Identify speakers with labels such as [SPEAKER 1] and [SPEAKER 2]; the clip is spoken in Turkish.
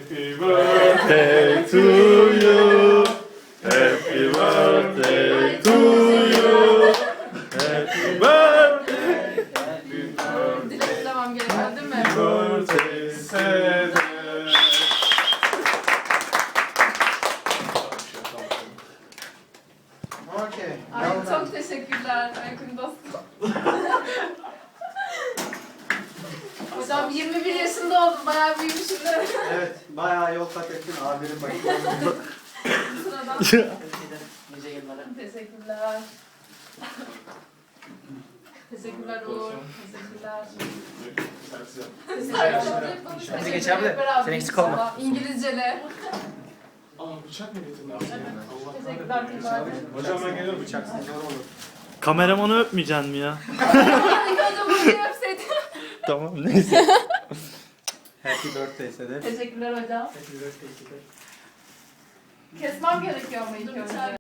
[SPEAKER 1] Happy birthday to you. Happy birthday to you. Happy birthday.
[SPEAKER 2] Dileklemem gereken değil mi?
[SPEAKER 1] Birthday Sedat.
[SPEAKER 3] Okey.
[SPEAKER 2] Ay çok teşekkürler Aykın dostum. Hocam 21 yaşında oldum, bayağı büyümüşüm de.
[SPEAKER 3] Evet, bayağı yol kat ettin. Abilerin bakımlarında.
[SPEAKER 2] Sıradan.
[SPEAKER 3] Nice yıllara.
[SPEAKER 2] Teşekkürler. Teşekkürler Uğur. Teşekkürler.
[SPEAKER 3] Hadi geç abi. Sen eksik olma.
[SPEAKER 2] İngilizcele.
[SPEAKER 1] Aa bıçak mı getirdin?
[SPEAKER 2] Teşekkürler tekrar.
[SPEAKER 1] Hocam ben geliyorum bıçaksız zor olur.
[SPEAKER 4] Kameramanı öpmeyeceksin mi ya?
[SPEAKER 2] İlk önce bunu yapsaydım.
[SPEAKER 4] Tamam neyse.
[SPEAKER 3] Happy birthday Sedat.
[SPEAKER 2] Teşekkürler hocam.
[SPEAKER 3] Happy birthday Sedat.
[SPEAKER 2] Kesmem gerekiyor mu ilk önce?